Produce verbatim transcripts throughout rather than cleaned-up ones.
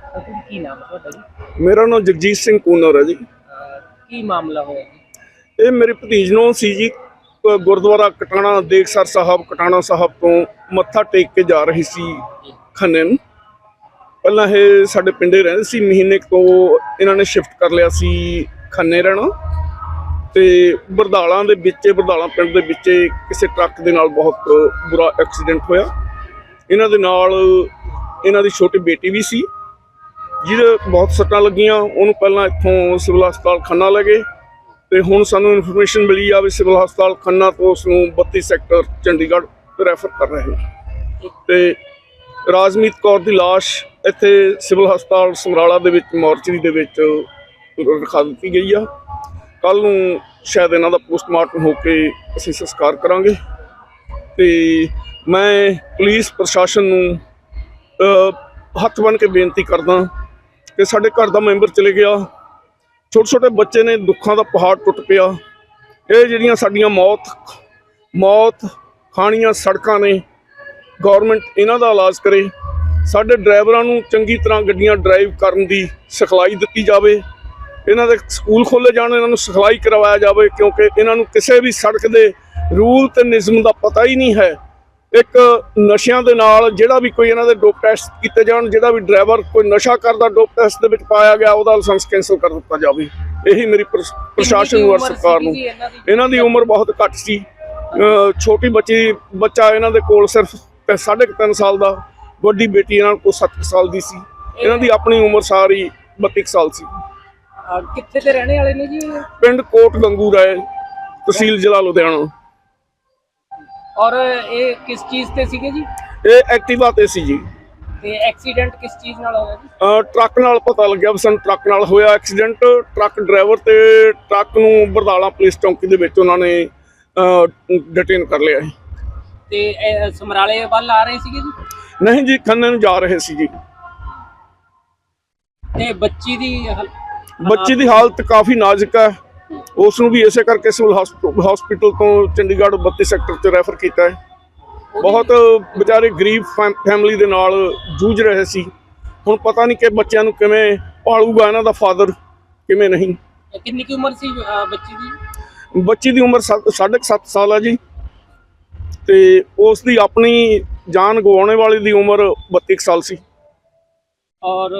ਕੀ ਨਾਮ ਤੁਹਾਡਾ ਜੀ? ਮੇਰਾ ਨਾਮ ਜਗਜੀਤ ਸਿੰਘ ਕੂਨਰ ਹੈ ਜੀ। ਕੀ ਮਾਮਲਾ ਹੋਇਆ ਜੀ? ਇਹ ਮੇਰੇ ਭਤੀਜ ਨੂੰ ਸੀ ਜੀ, ਅ, ਗੁਰਦੁਆਰਾ ਕਟਾਣਾ ਦੇਖਸਰ ਸਾਹਿਬ ਕਟਾਣਾ ਸਾਹਿਬ ਤੋਂ ਮੱਥਾ ਟੇਕ ਕੇ ਜਾ ਰਹੀ ਸੀ ਖੰਨੇ ਨੂੰ। ਪਹਿਲਾਂ ਇਹ ਸਾਡੇ ਪਿੰਡੇ ਰਹਿੰਦੇ ਸੀ, ਮਹੀਨੇ ਕੁ ਤੋਂ ਇਹਨਾਂ ਨੇ ਸ਼ਿਫਟ ਕਰ ਲਿਆ ਸੀ ਖੰਨੇ ਰਹਿਣਾ। ਤੇ ਬਰਦਾਲਾਂ ਦੇ ਵਿੱਚ ਬਰਦਾਲਾਂ ਪਿੰਡ ਦੇ ਵਿੱਚ ਕਿਸੇ ਟਰੱਕ ਦੇ ਨਾਲ ਬਹੁਤ ਬੁਰਾ ਐਕਸੀਡੈਂਟ ਹੋਇਆ। ਇਹਨਾਂ ਦੇ ਨਾਲ ਇਹਨਾਂ ਦੀ ਛੋਟੀ ਬੇਟੀ ਵੀ ਸੀ ਜਿਹਦੇ ਬਹੁਤ ਸੱਟਾਂ ਲੱਗੀਆਂ। ਉਹਨੂੰ ਪਹਿਲਾਂ ਇੱਥੋਂ ਸਿਵਲ ਹਸਪਤਾਲ ਖੰਨਾ ਲੈ ਗਏ ਤੇ ਹੁਣ ਸਾਨੂੰ ਇਨਫੋਰਮੇਸ਼ਨ ਮਿਲੀ ਆ ਵੀ ਸਿਵਲ ਹਸਪਤਾਲ ਖੰਨਾ ਤੋਂ ਉਸ ਨੂੰ ਬੱਤੀ ਸੈਕਟਰ ਚੰਡੀਗੜ੍ਹ ਰੈਫਰ ਕਰ ਰਹੇ। ਤੇ ਰਾਜਮੀਤ ਕੌਰ ਦੀ ਲਾਸ਼ ਇੱਥੇ ਸਿਵਲ ਹਸਪਤਾਲ ਸਮਰਾਲਾ ਦੇ ਵਿੱਚ ਮੋਰਚਰੀ ਦੇ ਵਿੱਚ ਰਖਾ ਦਿੱਤੀ ਗਈ ਆ। ਕੱਲ੍ਹ ਨੂੰ ਸ਼ਾਇਦ ਇਹਨਾਂ ਦਾ ਪੋਸਟਮਾਰਟਮ ਹੋ ਕੇ ਅਸੀਂ ਸੰਸਕਾਰ ਕਰਾਂਗੇ। ਤੇ ਮੈਂ ਪੁਲਿਸ ਪ੍ਰਸ਼ਾਸਨ ਨੂੰ ਹੱਥ ਬੰਨ੍ਹ ਕੇ ਬੇਨਤੀ ਕਰਦਾ ਕਿ ਸਾਡੇ ਘਰ ਦਾ ਮੈਂਬਰ ਚਲੇ ਗਿਆ, ਛੋਟੇ ਛੋਟੇ ਬੱਚੇ ਨੇ, ਦੁੱਖਾਂ ਦਾ ਪਹਾੜ ਟੁੱਟ ਪਿਆ। ਇਹ ਜਿਹੜੀਆਂ ਸਾਡੀਆਂ ਮੌਤ ਮੌਤ ਖਾਣੀਆਂ ਸੜਕਾਂ ਨੇ, ਗੌਰਮੈਂਟ ਇਹਨਾਂ ਦਾ ਇਲਾਜ ਕਰੇ। ਸਾਡੇ ਡਰਾਈਵਰਾਂ ਨੂੰ ਚੰਗੀ ਤਰ੍ਹਾਂ ਗੱਡੀਆਂ ਡਰਾਈਵ ਕਰਨ ਦੀ ਸਿਖਲਾਈ ਦਿੱਤੀ ਜਾਵੇ। ਇਹਨਾਂ ਦੇ ਸਕੂਲ ਖੋਲ੍ਹੇ ਜਾਣ, ਇਹਨਾਂ ਨੂੰ ਸਿਖਲਾਈ ਕਰਵਾਇਆ ਜਾਵੇ, ਕਿਉਂਕਿ ਇਹਨਾਂ ਨੂੰ ਕਿਸੇ ਵੀ ਸੜਕ ਦੇ ਰੂਲ ਤੇ ਨਿਯਮ ਦਾ ਪਤਾ ਹੀ ਨਹੀਂ ਹੈ। ਇੱਕ ਨਸ਼ਿਆਂ ਦੇ ਨਾਲ ਜਿਹੜਾ ਵੀ ਕੋਈ ਇਹਨਾਂ ਦੇ ਡੋਪ ਟੈਸਟ ਕੀਤੇ ਜਾਣ, ਜਿਹੜਾ ਵੀ ਡਰਾਈਵਰ ਕੋਈ ਨਸ਼ਾ ਕਰਦਾ ਡੋਪ ਟੈਸਟ ਦੇ ਵਿੱਚ ਪਾਇਆ ਗਿਆ ਉਹਦਾ ਲਾਇਸੈਂਸ ਕੈਂਸਲ ਕਰ ਦਿੱਤਾ ਜਾਵੇ। ਇਹੀ ਮੇਰੀ ਪ੍ਰਸ਼ਾਸਨ ਨੂੰ ਔਰ ਸਰਕਾਰ ਨੂੰ। ਇਹਨਾਂ ਦੀ ਉਮਰ ਬਹੁਤ ਘੱਟ ਸੀ, ਛੋਟੀ ਬੱਚੀ ਬੱਚਾ ਇਹਨਾਂ ਦੇ ਕੋਲ ਸਿਰਫ ਸਾਢੇ ਕੁ ਤਿੰਨ ਸਾਲ ਦਾ, ਵੱਡੀ ਬੇਟੀ ਇਹਨਾਂ ਕੋਲ ਸੱਤ ਸਾਲ ਦੀ ਸੀ। ਇਹਨਾਂ ਦੀ ਆਪਣੀ ਉਮਰ ਸਾਰੀ ਬੱਤੀ ਸਾਲ ਸੀ। ਕਿੱਥੇ ਦੇ ਰਹਿਣੇ ਵਾਲੇ ਨੇ ਜੀ? ਪਿੰਡ ਕੋਟ ਗੰਗੂ ਰਾਏ, ਤਹਿਸੀਲ ਜ਼ਿਲ੍ਹਾ ਲੁਧਿਆਣਾ। ਔਰ ਇਹ ਕਿਸ ਚੀਜ਼ ਤੇ ਸੀਗੇ ਜੀ? ਇਹ ਐਕਟਿਵਾ ਤੇ ਸੀ ਜੀ। ਤੇ ਐਕਸੀਡੈਂਟ ਕਿਸ ਚੀਜ਼ ਨਾਲ ਹੋਇਆ ਜੀ? ਟਰੱਕ ਨਾਲ ਪਤਾ ਲੱਗਿਆ ਵੀ ਸਾਨੂੰ ਟਰੱਕ ਨਾਲ ਹੋਇਆ ਐਕਸੀਡੈਂਟ। ਟਰੱਕ ਡਰਾਈਵਰ ਤੇ ਟਰੱਕ ਨੂੰ ਬਰਦਾਲਾ ਪੁਲਿਸ ਚੌਂਕੀ ਦੇ ਵਿੱਚ ਉਹਨਾਂ ਨੇ ਡਿਟੇਨ ਕਰ ਲਿਆ ਹੈ। ਤੇ ਸਮਰਾਲੇ ਵੱਲ ਆ ਰਹੇ ਸੀਗੇ ਜੀ? ਨਹੀਂ ਜੀ, ਖੰਨੇ ਨੂੰ ਜਾ ਰਹੇ ਸੀ ਜੀ। ਤੇ ਬੱਚੀ ਦੀ ਬੱਚੀ ਦੀ ਹਾਲਤ ਕਾਫੀ ਨਾਜ਼ੁਕ ਹੈ। ਉਸ ਨੂੰ ਵੀ ਇਸੇ ਕਰਕੇ ਸਿਵਲ ਹਸਪੀਟਲ ਤੋਂ ਚੰਡੀਗੜ੍ਹ ਬੱਤੀ ਸੈਕਟਰ 'ਚ ਰੈਫਰ ਕੀਤਾ ਹੈ। ਬਹੁਤ ਵਿਚਾਰੇ ਗਰੀਬ ਫੈਮਿਲੀ ਦੇ ਨਾਲ ਜੂਝ ਰਹੇ ਸੀ। ਹੁਣ ਪਤਾ ਨਹੀਂ ਕਿ ਬੱਚਿਆਂ ਨੂੰ ਕਿਵੇਂ ਪਾਲੂਗਾ ਇਹਨਾਂ ਦਾ ਫਾਦਰ, ਕਿਵੇਂ ਨਹੀਂ। ਕਿੰਨੀ ਕੀ ਉਮਰ ਸੀ ਬੱਚੀ ਦੀ? ਬੱਚੀ ਦੀ ਉਮਰ ਸਾਢੇ ਕੁ ਸੱਤ ਸਾਲ ਹੈ ਜੀ। ਤੇ ਉਸ ਦੀ ਆਪਣੀ ਜਾਨ ਗਵਾਉਣੇ ਵਾਲੀ ਦੀ ਉਮਰ ਬੱਤੀ ਕੁ ਸਾਲ ਸੀ। ਔਰ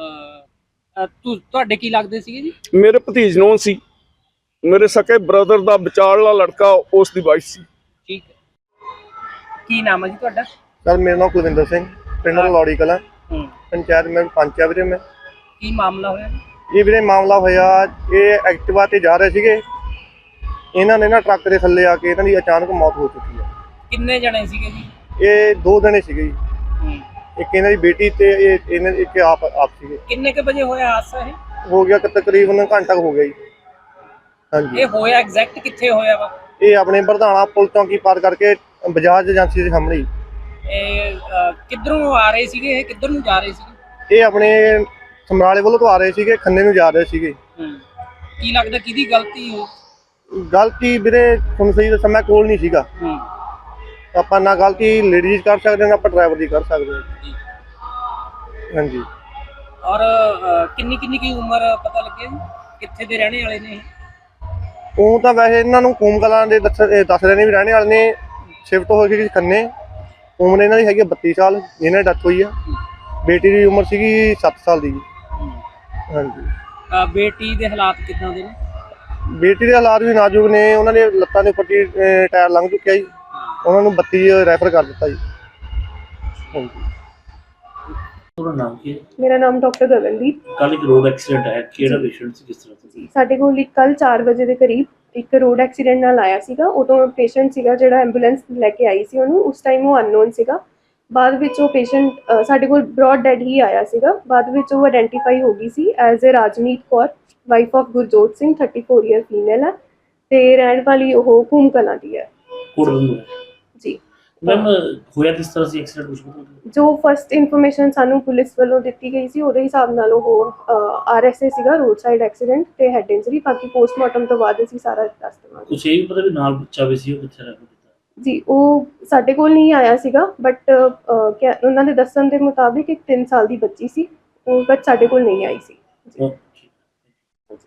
ਤੁਹਾਡੇ ਕੀ ਲੱਗਦੇ ਸੀਗੇ ਜੀ? ਮੇਰੇ ਭਤੀਜ ਨੂੰ ਸੀ, ਮੇਰੇ ਸਕੇ ਬ੍ਰਦਰ ਦਾ ਵਿਚਾਰਲਾ ਲੜਕਾ, ਉਸ ਦੀ ਵਾਈਫ ਸੀ। ਠੀਕ ਹੈ। ਕੀ ਨਾਮ ਹੈ ਜੀ ਤੁਹਾਡਾ? ਸਰ ਮੇਰਾ ਨਾਮ ਕੁਲਵਿੰਦਰ ਸਿੰਘ, ਪਿੰਡ ਲੌੜੀ ਕਲਾਂ, ਪੰਚਾਇਤ ਮੈਂ ਪੰਚ ਆ ਵੀਰੇ। ਮੈਂ ਕੀ ਮਾਮਲਾ ਹੋਇਆ? ਇਹ ਵੀਰੇ ਮਾਮਲਾ ਹੋਇਆ, ਇਹ ਐਕਟਿਵਾ ਤੇ ਜਾ ਰਹੇ ਸੀਗੇ, ਇਹਨਾਂ ਨੇ ਨਾ ਟਰੱਕ ਦੇ ਥੱਲੇ ਆ ਕੇ ਇਹਨਾਂ ਦੀ ਅਚਾਨਕ ਮੌਤ ਹੋ ਚੁੱਕੀ ਹੈ। ਕਿੰਨੇ ਜਣੇ ਸੀਗੇ ਜੀ? ਇਹ ਦੋ ਜਣੇ ਸੀਗੇ ਜੀ, ਇੱਕ ਇਹਨਾਂ ਦੀ ਬੇਟੀ ਤੇ ਇਹ ਇਹਨਾਂ ਇੱਕ ਆਪ ਆਪ ਸੀਗੇ। ਕਿੰਨੇ ਕੁ ਵਜੇ ਹੋਇਆ ਹਾਦਸਾ? ਇਹ ਹੋ ਗਿਆ ਤਕਰੀਬਨ ਘੰਟਾ ਹੋ ਗਿਆ ਜੀ। ਹਾਂਜੀ। ਇਹ ਹੋਇਆ ਐਗਜ਼ੈਕਟ ਕਿੱਥੇ ਹੋਇਆ ਵਾ? ਇਹ ਆਪਣੇ ਬਰਧਾਣਾ ਪੁਲ ਚੌਂਕੀ ਪਾਰ ਕਰਕੇ ਬਜਾਜ ਏਜੰਸੀ ਦੇ ਸਾਹਮਣੇ। ਇਹ ਕਿੱਧਰੋਂ ਆ ਰਹੇ ਸੀਗੇ? ਇਹ ਕਿੱਧਰ ਨੂੰ ਜਾ ਰਹੇ ਸੀਗੇ? ਇਹ ਆਪਣੇ ਸਮਰਾਲੇ ਵੱਲੋਂ ਤੋਂ ਆ ਰਹੇ ਸੀਗੇ, ਖੰਨੇ ਨੂੰ ਜਾ ਰਹੇ ਸੀਗੇ। ਕੀ ਲੱਗਦਾ ਕਿਹਦੀ ਗਲਤੀ ਹੋ? ਗਲਤੀ ਵੀਰੇ ਤੁਹਾਨੂੰ ਸਹੀ ਦੱਸਾਂ, ਮੈਂ ਕੋਲ ਨਹੀਂ ਸੀਗਾ। ਆਪਾਂ ਨਾ ਗਲਤੀ ਲੇਡੀਜ਼ ਕਰ ਸਕਦੇ ਨਾ ਆਪਾਂ ਡਰਾਈਵਰ ਦੀ ਕਰ ਸਕਦੇ ਹਾਂ। ਹਾਂਜੀ। ਔਰ ਕਿੰਨੀ ਕਿੰਨੀ ਕੀ ਉਮਰ ਪਤਾ ਲੱਗਿਆ ਜੀ? ਕਿੱਥੇ ਦੇ ਰਹਿਣੇ ਵਾਲੇ ਨੇ? ਉਹ ਤਾਂ ਵੈਸੇ ਇਹਨਾਂ ਨੂੰ ਕੂਮ ਕਲਾਂ ਦੇ ਦੱਸ ਦੱਸ ਰਹੇ ਨੇ ਵੀ ਰਹਿਣੇ ਵਾਲੇ ਨੇ। ਸ਼ਿਫਟ ਹੋ ਗਈ ਖੰਨੇ। ਉਮਰ ਇਹਨਾਂ ਦੀ ਹੈਗੀ ਬੱਤੀ ਸਾਲ, ਇਹਨਾਂ ਦੀ ਡੈਥ ਹੋਈ ਆ। ਬੇਟੀ ਦੀ ਉਮਰ ਸੀਗੀ ਸੱਤ ਸਾਲ ਦੀ। ਹਾਂਜੀ। ਬੇਟੀ ਦੇ ਹਾਲਾਤ ਕਿੱਦਾਂ ਦੇ ਨੇ? ਬੇਟੀ ਦੇ ਹਾਲਾਤ ਵੀ ਨਾਜ਼ੁਕ ਨੇ, ਉਹਨਾਂ ਦੇ ਲੱਤਾਂ ਦੇ ਉੱਪਰ ਟਾਇਰ ਲੰਘ ਚੁੱਕਿਆ ਜੀ, ਉਹਨਾਂ ਨੂੰ ਬੱਤੀ ਰੈਫਰ ਕਰ ਦਿੱਤਾ ਜੀ। ਹਾਂਜੀ। ਨਾਮ ਕੀ ਹੈ? ਮੇਰਾ ਨਾਮ ਡਾਕਟਰ ਗਗਨਦੀਪ। ਕੱਲ ਇੱਕ ਰੋਡ ਐਕਸੀਡੈਂਟ ਆਇਆ, ਕਿਹੜਾ ਪੇਸ਼ੈਂਟ ਸੀ, ਕਿਸ ਤਰ੍ਹਾਂ ਸੀ? ਸਾਡੇ ਕੋਲ ਇੱਕ ਕੱਲ ਚਾਰ ਵਜੇ ਦੇ ਕਰੀਬ ਇੱਕ ਰੋਡ ਐਕਸੀਡੈਂਟ ਨਾਲ ਆਇਆ ਸੀਗਾ। ਉਦੋਂ ਪੇਸ਼ੈਂਟ ਸੀਗਾ ਜਿਹੜਾ ਐਂਬੂਲੈਂਸ ਲੈ ਕੇ ਆਈ ਸੀ ਉਹਨੂੰ, ਉਸ ਟਾਈਮ ਉਹ ਅਨਨੋਨ ਸੀਗਾ। ਬਾਅਦ ਵਿੱਚ ਉਹ ਪੇਸ਼ੈਂਟ ਸਾਡੇ ਕੋਲ ਬ੍ਰੌਡ ਡੈਡ ਹੀ ਆਇਆ ਸੀਗਾ। ਬਾਅਦ ਵਿੱਚ ਉਹ ਆਇਡੈਂਟੀਫਾਈ ਹੋ ਗਈ ਸੀ as a Rajmeet Kaur, wife of Gurjot Singh, thirty four year female ਹੈ ਤੇ ਰਹਿਣ ਵਾਲੀ ਉਹ ਕੂਮ ਕਲਾਂ ਦੀ ਹੈ ਜੀ। ਮੈਮ ਹੋਇਆ ਕਿਸ ਤਰ੍ਹਾਂ ਸੀ ਐਕਸੀਡੈਂਟ? ਕੁਝ ਪਤਾ? ਜੋ ਫਸਟ ਇਨਫੋਰਮੇਸ਼ਨ ਸਾਨੂੰ ਪੁਲਿਸ ਵੱਲੋਂ ਦਿੱਤੀ ਗਈ ਸੀ ਉਹਦੇ ਹਿਸਾਬ ਨਾਲ ਉਹ ਆਰ ਐਸ ਏ ਸੀਗਾ, ਰੋਡ ਸਾਈਡ ਐਕਸੀਡੈਂਟ ਤੇ ਹੈਡ ਇੰਜਰੀ। ਬਾਕੀ ਪੋਸਟਮਾਰਟਮ ਤੋਂ ਬਾਅਦ ਅਸੀਂ ਸਾਰਾ ਦੱਸ ਦੇਵਾਂਗੇ। ਕੁਛ ਇਹ ਵੀ ਪਤਾ ਵੀ ਨਾਲ ਬੱਚਾ ਵੀ ਸੀ, ਉਹ ਕਿੱਥੇ ਰਹਿ ਗਿਆ ਜੀ? ਉਹ ਸਾਡੇ ਕੋਲ ਨਹੀਂ ਆਇਆ ਸੀਗਾ, ਬਟ ਉਹਨਾਂ ਦੇ ਦੱਸਣ ਦੇ ਮੁਤਾਬਿਕ ਇੱਕ ਤਿੰਨ ਸਾਲ ਦੀ ਬੱਚੀ ਸੀ, ਉਹ ਬਟ ਸਾਡੇ ਕੋਲ ਨਹੀਂ ਆਈ ਸੀ ਜੀ। ਉਹ